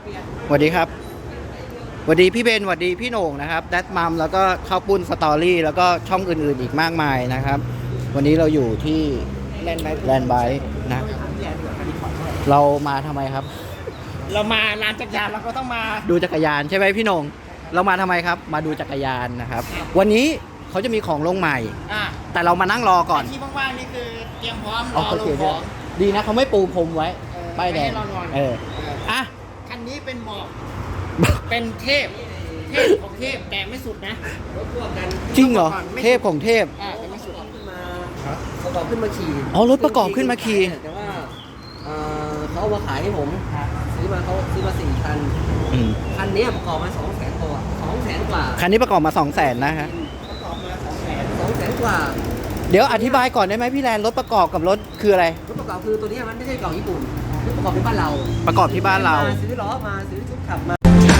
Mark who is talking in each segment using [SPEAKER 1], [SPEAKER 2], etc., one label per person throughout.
[SPEAKER 1] สวัสดีครับสวัสดีพี่เบนสวัสดีพี่โหน่งนะครับแดดมัมแล้วก็ข้าวปุ้นสตอรี่แล้วก็ช่องอื่นๆอีกมากมายนะครับวันนี้เราอยู่ที่แลนด์ไบค์นะเรามาทำไมครับ
[SPEAKER 2] เรามาร้านจักรยานเราก็ต้องมา
[SPEAKER 1] ดูจักรยานใช่ไหมพี่โหน่งเรามาทำไมครับมาดูจักรยานนะครับวันนี้เขาจะมีของลงใหม่แต่เรามานั่งรอก่อน
[SPEAKER 2] ที่ว่างๆนี่คือเตรียมพร้อมรอลงข
[SPEAKER 1] องดีนะเขาไม่ปูพรมไว้ป้ายแดงอ่ะ
[SPEAKER 2] คันนี้เป็นบอกเป็นเทพของเทพแต่ไม่สุดนะ
[SPEAKER 1] จริงเหรอเทพของเทพ
[SPEAKER 2] แต่ไม่สุด
[SPEAKER 3] ขึ้นมาประกอบขึ้นมาขี่
[SPEAKER 1] รถประกอบขึ้นมาขี่
[SPEAKER 3] แต่ว่าเขาเอามาขายให้ผมซื้อมา4 คันคันนี้ประกอบมา200,000 กว่า200,000 กว่า
[SPEAKER 1] คันนี้ประกอบมา200,000นะฮะ
[SPEAKER 3] ประกอบมา200,000 กว่า
[SPEAKER 1] เดี๋ยวอธิบายก่อนได้ไหมพี่แลนรถประกอบกับรถคืออะไร
[SPEAKER 3] รถประกอบคือตัวนี้มันไม่ใช่กล่องญี่ปุ่นรถประกอบที่บ้านเรา
[SPEAKER 1] ประกอบที่บ้านเรา
[SPEAKER 3] ซื้อล้อมาซื้อชุดขับมา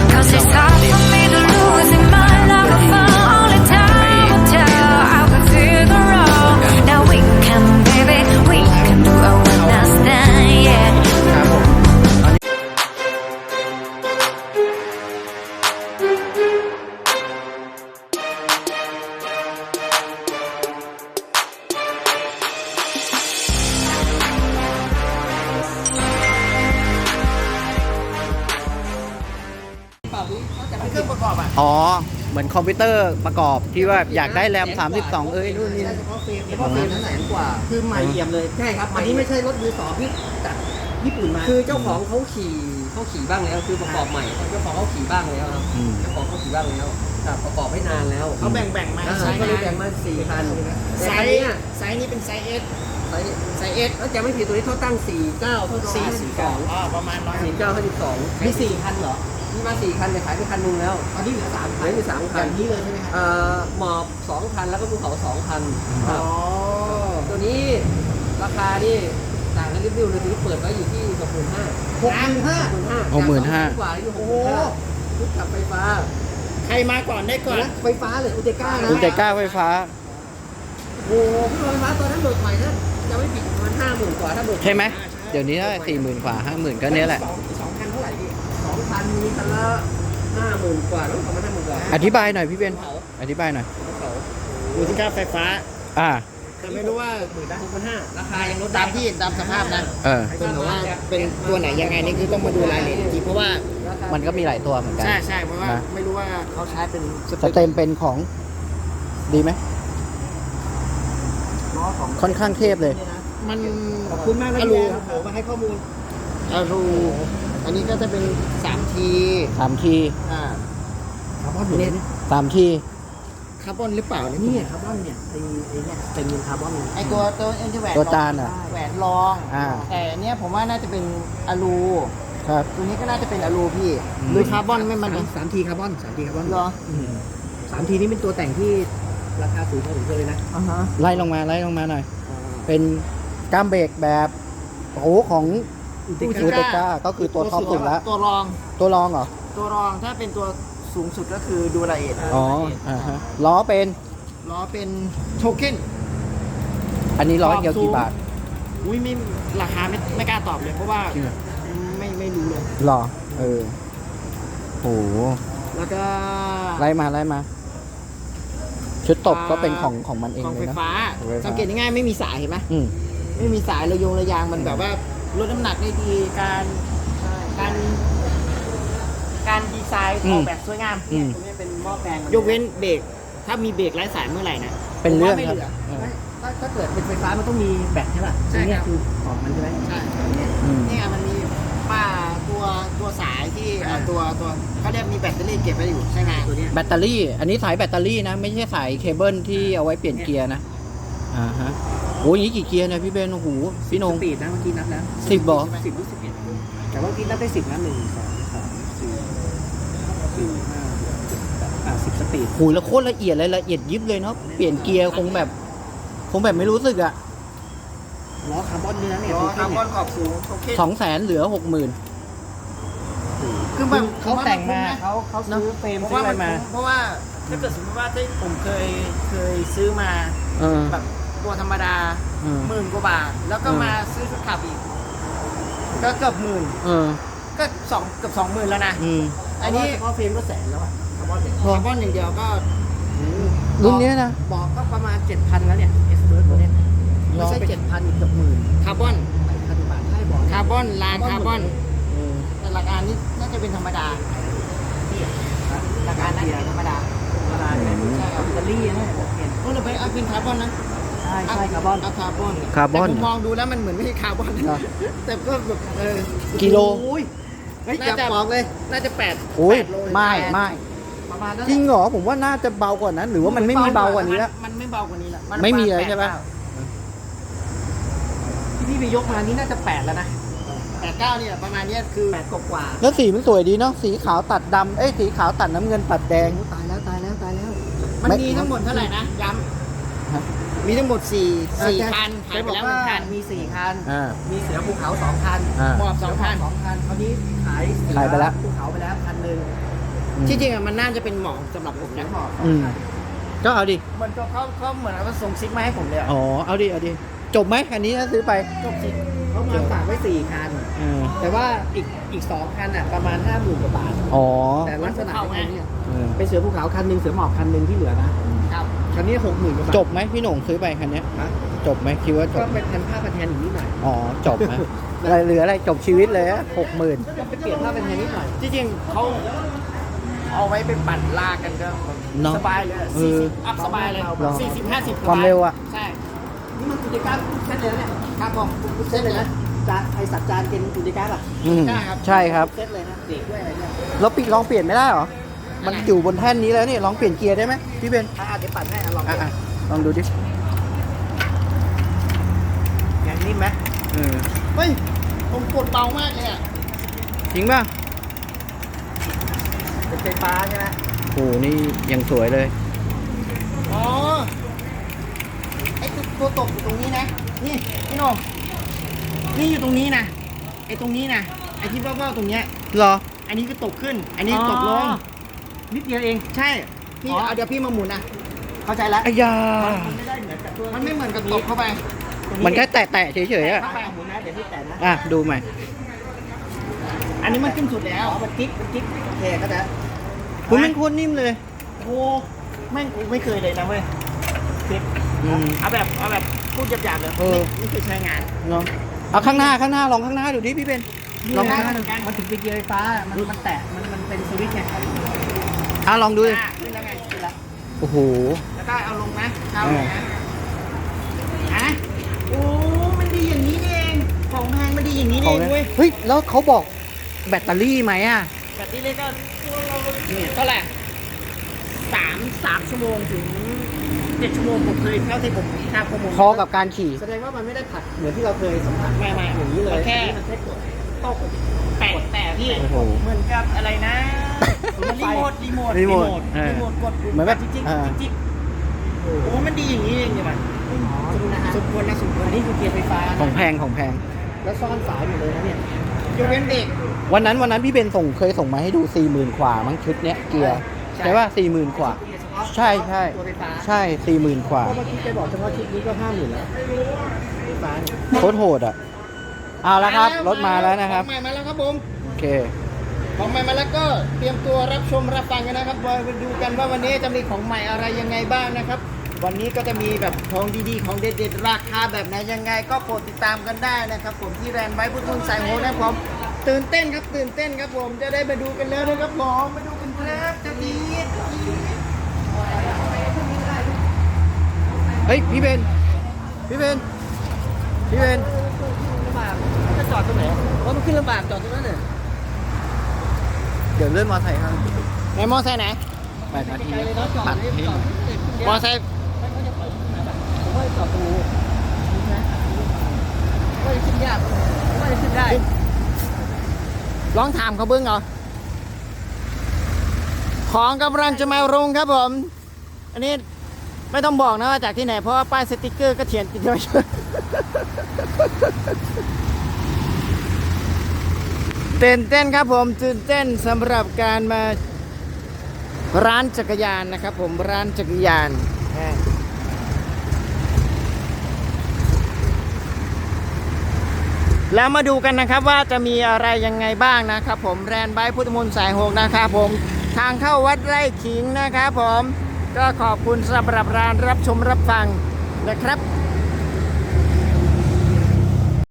[SPEAKER 2] เครื่องประกอบ
[SPEAKER 1] เหมือนคอมพิวเตอร์ประกอบที่ว่าอยากได้แรม32นู่นนี่
[SPEAKER 3] เฉพาะเฟรม100,000 กว่า
[SPEAKER 2] คือใหม่เอี่ยมเลย
[SPEAKER 3] ใช่ครับอันนี้ไม่ใช่รถมือ2ที่จากญี่ปุ่นมาคือเจ้าของเขาขี่บ้างแล้วคือประกอบใหม่เจ้าของเขาขี่บ้างแล้วครับเจ้าของเขาขี่บ้างแล้วแต่ประกอบไม่นานแล้ว
[SPEAKER 2] เขาแบ่งมา
[SPEAKER 3] ใช้ก็เลยแบ่งมา4 คัน
[SPEAKER 2] ไซส์นี้เป็นไซส์ S ไซส์ S
[SPEAKER 3] แล้วจะไม่ผิดตัวนี้เขาตั้ง49เท่า
[SPEAKER 2] 42ประมาณ
[SPEAKER 3] 49 52
[SPEAKER 2] มี4 คันเหรอ
[SPEAKER 3] มีมา4 คันแต่ขายไปคันนึงแล้ว
[SPEAKER 2] ตอนนี้เหลือ3 คัน
[SPEAKER 3] เหลือ3 คัน
[SPEAKER 2] อย่างนี้เลยใช่ไหมครับ
[SPEAKER 3] หมอบ2 คันแล้วก็ภูเขา2 คันตัวนี้ราคานี่ต่างกันริบๆเลยที่เปิดไว้อยู่ที่65,000
[SPEAKER 1] 65,000
[SPEAKER 3] กว่าอยู่ชุดขับไฟฟ้า
[SPEAKER 2] ใครมาก่อนได้ก่อน
[SPEAKER 3] ไฟฟ้าเลยอุเตก้านะ
[SPEAKER 1] อุเตก้าไฟฟ้า
[SPEAKER 3] โอ้โหพี่ไฟฟ้าตัวนั้นเบิกใหม่นะจะไม่ผิดประมาณ50,000 กว่าถ้าเบิก
[SPEAKER 1] ใช่ไหมเดี๋ยวนี้ได้40,000 กว่า 50,000ก็เนี้ยแหละ
[SPEAKER 2] 2 คันเท่าไหร่พี่
[SPEAKER 3] 2 คันมีคันละ50,000 กว่าแล้วประมาณ50,000 กว่า
[SPEAKER 1] อธิบายหน่อยพี่เบนอธิบายหน่อย
[SPEAKER 2] อุติก้าไฟฟ้าแต่ไม่รู้ว่า
[SPEAKER 3] 65,000ราคายังลด
[SPEAKER 2] ตามสภาพนะแต่ว่าเป็นตัวไหนยังไงนี่คือต้องมาดูรายละเอียดจริงเพราะว่า
[SPEAKER 1] มันก็มีหลายตัวเหมือนกัน
[SPEAKER 2] ใช่เพราะว่าไม่รู้ว่าเขาใช้เป็น
[SPEAKER 1] สเต็มเป็นของดีไหมค่อนข้างเทพเลย
[SPEAKER 2] มัน
[SPEAKER 3] ขอบคุณมากนะพี่มาให้ข้อมูล
[SPEAKER 2] อันนี้ก็จะเป็น3 ที
[SPEAKER 3] คาร์บอนอยู่เนี่ย
[SPEAKER 1] 3 ที
[SPEAKER 2] คาร์บอนหรือเปล่า
[SPEAKER 3] นี่คาร์บอนเนี่ยไอ้เนี่ยเป็นคาร์บอน
[SPEAKER 2] ไอ้ตัวเอ็นแหวน
[SPEAKER 1] ตัวจาน
[SPEAKER 2] แหวนรองแต่เนี้ยผมว่าน่าจะเป็นอะลู
[SPEAKER 1] ครับ
[SPEAKER 2] ตัวนี้ก็น่าจะเป็นอะลูพี่หรือคาร์บอนไม่มัน
[SPEAKER 3] 3 ทีคาร์บอนเหรอ3 ทีนี้เป็นตัวแต่งที่ราคาสูงพอสมควรเลยนะ
[SPEAKER 1] ไล่ลงมาหน่อยเป็นก้ามเบรกแบบของอุติก้าก็คือตัวท็อปสุดแล้ว
[SPEAKER 2] ตัวรอง
[SPEAKER 1] เหรอ
[SPEAKER 2] ตัวรองถ้าเป็นตัวสูงสุดก็คือดูรายละเอียด
[SPEAKER 1] ล้อเป็น
[SPEAKER 2] โทเค็น
[SPEAKER 1] อันนี้ล้อเดียวกี่บาท
[SPEAKER 2] ไม่ราคาไม่กล้าตอบเลยเพราะว่าไม่รู้เลย
[SPEAKER 1] หรอโห
[SPEAKER 2] แล้วก็
[SPEAKER 1] ไล่มาชุดตบก็เป็นของมันเอง
[SPEAKER 2] เลยนะไฟฟ้าสังเกตง่ายๆไม่มีสายเห็นไหมไม่มีสายระยางมันแบบว่าลดน้ำหนักได้ดีการดีไซน์ออกแบบสวยงามตรงนี้เป็นหม้อแปลงยกเว้นเบรกถ้ามีเบรกไร้สายเมื่อไหร่นะ
[SPEAKER 1] เป็นเรื่องครับ
[SPEAKER 3] ถ้าเกิดเป็นไฟฟ้ามันต้องมีแบตใช่ป่ะนี่คือของมันใช่ไหม
[SPEAKER 2] ใช่นี่มันมีตัวสายที่ตัวเขาเรียกมีแบตเตอรี่เก็บไว้อยู่ใช่ไหมตัวนี้
[SPEAKER 1] แบตเตอรี่อันนี้สายแบตเตอรี่นะไม่ใช่สายเคเบิลที่เอาไว้เปลี่ยนเกียร์นะโอ้ยนี่กี่เกียร์เนี่ยพี่เบนโอ้โหพี่นง
[SPEAKER 3] สปีดนะเมื่อกี้นับแล้ว
[SPEAKER 1] 10บอก
[SPEAKER 3] 10 หรือ 11แต่ว่าเมื่อกี้นับได้10นะ1 2 3 4 5 10 สปีด
[SPEAKER 1] โอ้ยแล้วโคตรละเอียดเลยละเอียดยิบเลยเนาะเปลี่ยนเกียร์คงแบบไม่รู้สึกอะ
[SPEAKER 3] ล้อคาร์บอนนี่นะเนี่ย
[SPEAKER 2] คาร์บอนขอบสูง
[SPEAKER 1] 200,000เหลือ 60,000
[SPEAKER 2] คือแบบ
[SPEAKER 3] เขาแต่งมาเขาซื้อเฟรมซื้ออะไรมา
[SPEAKER 2] เพราะว่าถ้าเกิดสมมติว่าที่ผมเคยซื้อมาแบบตัวธรรมดา10,000 กว่าบาทแล้วก็มาซื้อชุดขับอีกก็เกือบ10,000ก็ก็เกือบ20,000แล้วนะ
[SPEAKER 3] อันนี้เฉพาะเฟรมก็แสนแล้วอะคาร์บอนเนี่ย
[SPEAKER 2] คาร์บอนอย่างเดียวก็
[SPEAKER 1] รุ่นเนี้ยนะ
[SPEAKER 3] บอกก็ประมาณ 7,000 แล้วเนี่ยเอสเบิร์ดตัวเนี้ยไม่ใช่ 7,000 อีกเกือบหมื่น
[SPEAKER 2] คาร์บอน
[SPEAKER 3] 8,000 บาทให้บอก
[SPEAKER 2] คาร์บอนลางคาร์บอน
[SPEAKER 1] เออ
[SPEAKER 2] แต่หลักการนี้น่าจะเป็นธรรมดาหลักการน่าจะเป็นธรรมดา
[SPEAKER 3] ธรรมดาเนี่ยใช่ครับอิตาลีนะเปลี่ยน
[SPEAKER 2] ก็เลยไปเอาเป็นคาร์บอนนะ
[SPEAKER 3] ใช่ใช่คาร์บอน
[SPEAKER 2] เอาคาร์บอน
[SPEAKER 1] คาร์บอน
[SPEAKER 2] แต่ผมมองดูแล้วมันเหมือนไม่ใช่คาร์บอน
[SPEAKER 1] เหรอ
[SPEAKER 2] แต่ก็แบบ
[SPEAKER 1] กิโล
[SPEAKER 3] โอ้ยเฮ้ย
[SPEAKER 2] น่า
[SPEAKER 3] อย่า
[SPEAKER 2] จะ
[SPEAKER 3] บอกเลย
[SPEAKER 2] น่าจะ
[SPEAKER 1] โอ้ย
[SPEAKER 2] 8 โล
[SPEAKER 1] ไม่ไม่
[SPEAKER 3] ประมาณนั้น
[SPEAKER 1] จริงเหรอผมว่าน่าจะเบากว่านั้น หรือว่ามันไม่มีเบากว่านี้แล้ว
[SPEAKER 2] มันไม่เบากว่านี้ละน
[SPEAKER 1] ไม่มีเลยใช่ปะ
[SPEAKER 3] ที่พี่ไปยกมานี่น่าจะ 8 แล้วนะ
[SPEAKER 2] 8-9เนี่ยประมาณเนี้ยคือ
[SPEAKER 3] 8 กว่า
[SPEAKER 1] แล้วสีมันสวยดีเนาะสีขาวตัดดำสีขาวตัดน้ำเงินตัดแดง
[SPEAKER 3] โอ้ตายแล้วตายแล้วตายแล้ว
[SPEAKER 2] มันมีทั้งหมดเท่าไหร่นะย้
[SPEAKER 1] ฮะ
[SPEAKER 2] ำมีทั้งหมด4คันหายไปแล้ว1 คัน
[SPEAKER 3] มี 4 คัน
[SPEAKER 1] อ่า
[SPEAKER 3] มีเสือภูเขา 2 คัน
[SPEAKER 1] อ่า
[SPEAKER 2] หมอบ2 คัน
[SPEAKER 3] 2 คันคราวนี้ขายเสือ
[SPEAKER 1] ขายไปแล้ว
[SPEAKER 3] ภูเขาไปแล้วคันหนึ่ง
[SPEAKER 2] ที่จริงอะมันน่าจะเป็นหมอกสำหรับผมนะ
[SPEAKER 3] หมอบ
[SPEAKER 1] อืมก็เอาดิ
[SPEAKER 2] มันก็เขาเหมือนว่าส่งซิกมาให้ผมเลยอะ
[SPEAKER 1] อ๋อเอาดิเอาดิจบไหมคันนี้ถ้าซื้อไป
[SPEAKER 2] จบซิก
[SPEAKER 3] เขามาฝากไว้ 4 คัน แต่ว่าอีก 2 คันอ่ะประมาณ 50,000 กว่าบาท
[SPEAKER 1] อ๋อ
[SPEAKER 3] แต่ลักษณะเป็นเนี่ย
[SPEAKER 1] เออ
[SPEAKER 3] เป็นเสือภูเขาคันหนึ่งเสือหมอบคันหนึ่งที่เหลือนะครับ คันนี้ 60,000 กว่าบาท
[SPEAKER 1] จบไหมพี่โหน่งซื้อไปคันเนี้ย
[SPEAKER 3] ฮะ
[SPEAKER 1] จบไหมคิดว่าจ
[SPEAKER 3] ก็
[SPEAKER 1] บ
[SPEAKER 3] เป็นพันผ้าพันแทนอีกนิดหน่อย
[SPEAKER 1] อ๋อจบไหมอะไรเหลืออะไรจบชีวิตเลยอะ60,000
[SPEAKER 3] ก็ไปเปลี่ยนผ้าพันแทนนิดหน่อย
[SPEAKER 2] ที่จริงเขาเอาไว้ไปปั่นลากกันก็
[SPEAKER 1] เนอะ
[SPEAKER 2] สบายเลยอะ
[SPEAKER 1] เออ
[SPEAKER 2] 40 อัพสบายเลย
[SPEAKER 1] เหรอ
[SPEAKER 2] 40-50
[SPEAKER 1] ความเร็วอะ
[SPEAKER 2] ใช่
[SPEAKER 3] นี่มันกิจการเส้นเลยนะเนี่ย
[SPEAKER 2] ครับผม
[SPEAKER 3] เส้นเลยนะจานไอสัตว์จานเป็นกิจการอ่ะ
[SPEAKER 1] อืม
[SPEAKER 2] ใช่ครับ
[SPEAKER 1] ใช่ครับ
[SPEAKER 3] เส้นเลยนะเบรกด้วยอะไรเนี่ย
[SPEAKER 1] แล้วปิดลองเปลี่ยนไม่ได้เหรอ มันอยู่บนแท่นนี้แล้วนี่ลองเปลี่ยนเกียร์ได้ไหมพี่เบน
[SPEAKER 3] เดี๋ยวปั่นให้ลอง
[SPEAKER 1] อ่ะลองดูดิ
[SPEAKER 3] อย่างนิ่มไหม
[SPEAKER 1] เออ
[SPEAKER 2] เฮ้ยผมกดเบามากเลยอะ
[SPEAKER 1] จริงป่ะ
[SPEAKER 3] เป็นไฟฟ้าใช่ไหม
[SPEAKER 1] โอ้นี่ยังสวยเลย
[SPEAKER 2] อ๋อไอ้ตัวตกอยู่ตรงนี้นะนี่พี่โหน่งนี่อยู่ตรงนี้นะไอ้ตรงนี้นะไอ้ที่เบ้าๆตรงเนี้ย
[SPEAKER 1] เหรอ
[SPEAKER 2] อันนี้คือตกขึ้น อันนี้ตกลง
[SPEAKER 3] นิดเดียวเอง
[SPEAKER 2] ใช่พี่เอาเดี๋ยวพี่มาหมุนนะเข้าใจแล้ว
[SPEAKER 1] อายา
[SPEAKER 3] มันไม่ได้เหมือนกับตัว
[SPEAKER 2] มันไม่เหมือนกับตกเข้าไป
[SPEAKER 1] มันแค่แตะๆเฉยๆอะ
[SPEAKER 3] เข้าไปหมุนนะเดี๋ยวพี่แตะนะ
[SPEAKER 1] อ่ะ ดูใหม่
[SPEAKER 2] อันนี้มันขึ้นสุดแล้ว
[SPEAKER 3] มันกิ๊กโอเคก็จะ
[SPEAKER 1] คุณเป็นคนนิ่มเลย
[SPEAKER 2] โอ้แม่งกูไม่เคยเลยนะเว้ย
[SPEAKER 1] อืม
[SPEAKER 2] เอาแบบพูดหยาบๆเลย
[SPEAKER 1] เออ
[SPEAKER 2] ไม่เคยใช้งาน
[SPEAKER 1] เนาะเอาข้างหน้าลองข้างหน้าดูดิพี่เบนลองข้างหน้าดู
[SPEAKER 3] มันถึงเป็นเกียร์ไฟฟ้า มันแตะ มันเป็นสวิตช์ไง
[SPEAKER 1] ลองดูดิ
[SPEAKER 2] ขึ้นแล้วไงขึ้นแล้ว
[SPEAKER 1] โอ้โห
[SPEAKER 2] แล้วก็เอาลงนะเอาลงนะอ่ะโอ้มันดีอย่างนี้นี่เองของแพงมันดีอย่างนี้
[SPEAKER 1] ข
[SPEAKER 2] นี่
[SPEAKER 1] อง
[SPEAKER 2] เอง
[SPEAKER 1] เนี่ย
[SPEAKER 2] เว้ย
[SPEAKER 1] เฮ้ย แล้วเขาบอกแบตเตอรี่ไหมอ่ะ
[SPEAKER 2] แบบนี้เลยก็เท่าไหร่3 ชั่วโมงถึง7 ชั่วโมงผมเคยเท่าที่ผมทราบข้อมูล
[SPEAKER 1] พอกับการขี่
[SPEAKER 3] แสดงว่ามันไม่ได้ผัดเหมือนที่เราเคยสัมผัส
[SPEAKER 2] ไม่
[SPEAKER 3] อย่างนี้เลย
[SPEAKER 2] แค่
[SPEAKER 3] มันแค่กด
[SPEAKER 2] ตกแต่พี่
[SPEAKER 1] โอ้โห
[SPEAKER 2] เหมือนกับอะไรนะรีโมท
[SPEAKER 1] รีโมทเออ
[SPEAKER 2] รีโมทกดปุ่ม
[SPEAKER 1] เหมือนแบบ
[SPEAKER 2] จิ๊ก
[SPEAKER 1] เออ
[SPEAKER 2] จิ๊กโอ้มันดีอย่างนี้เองเนี่ยมัน
[SPEAKER 3] อ๋อดูนะฮะ
[SPEAKER 2] สมควรนะสมควร
[SPEAKER 3] อันนี้คือเกียร์ไฟฟ้า
[SPEAKER 1] ของ
[SPEAKER 3] นะ
[SPEAKER 1] แพงของแพง
[SPEAKER 3] แล้วซ่อนสายอยู่เลยนะเนี่ย
[SPEAKER 2] ยกเว้นเบรก
[SPEAKER 1] วันนั้นพี่เบนเคยส่งมาให้ดู 40,000 กว่ามั้งชุดเนี้ยเกียร์ใช่ป่ะ40,000 กว่า
[SPEAKER 3] เกียร์เฉพาะ
[SPEAKER 1] ใช่
[SPEAKER 3] ตัวไฟฟ้า
[SPEAKER 1] ใช่ 40,000 กว่า
[SPEAKER 3] เพราะเมื่อกี้แกบอกเฉพาะชุดนี้ก็50,000แล้วไฟฟ้าเนี่ย
[SPEAKER 1] โคตรโหดอ่ะ เอาละครับ รถมาแล้วนะครับ
[SPEAKER 2] ของใหม่มาแล้วครับผม
[SPEAKER 1] โอเค
[SPEAKER 2] ของใหม่มาแล้วก็เตรียมตัวรับชมรับฟังกันนะครับมาดูกันว่าวันนี้จะมีของใหม่อะไรยังไงบ้างนะครับ วันนี้ก็จะมีแบบของดีๆของเด็ดๆราคาแบบไหนยังไง ก็โปรดติดตามกันได้นะครับผมที่แรนไว้พุทธุนสายโหนะครับผมตื่นเต้นครับผมจะได้มาดูกันแล้วนะครับผมมาดูกันครับจะดี
[SPEAKER 1] เฮ้ย พี่เบน พี่เบน
[SPEAKER 3] ลำบากจะจอดตรงไหนเพราะมันขึ้นลำบากจอดตรงนั้นเนี่ย
[SPEAKER 1] เดี๋ยวเลื่อนมอไซค์ครับ
[SPEAKER 2] ไหนมอไซค์ไหน
[SPEAKER 1] 8 นาที
[SPEAKER 3] ไกลเลยเนาะจอด
[SPEAKER 1] ตัด
[SPEAKER 3] เลย
[SPEAKER 1] ให้
[SPEAKER 3] จอด
[SPEAKER 2] มอไซค์
[SPEAKER 3] ไม่เขาจะปล่อยผมว่าจอดตรงนี้นะว่าจะขึ้นยากว่าจะขึ้นได้
[SPEAKER 2] ลองถามเขาเบิ้งเหรอของกำลังจะมาลงครับผม อันนี้ไม่ต้องบอกนะว่าจากที่ไหนเพราะว่าป้ายสติกเกอร์ก็เขียนติดไว้ตื่นเต้นครับผมตื่นเต้นสำหรับการมาร้านจักรยานนะครับผมร้านจักรยานแล้วมาดูกันนะครับว่าจะมีอะไรยังไงบ้างนะครับผมแรนไบค์พุทธมนต์สาย 6นะครับผมทางเข้าวัดไร่ขิงนะครับผมก็ขอบคุณสำหรับการรับชมรับฟังนะครับ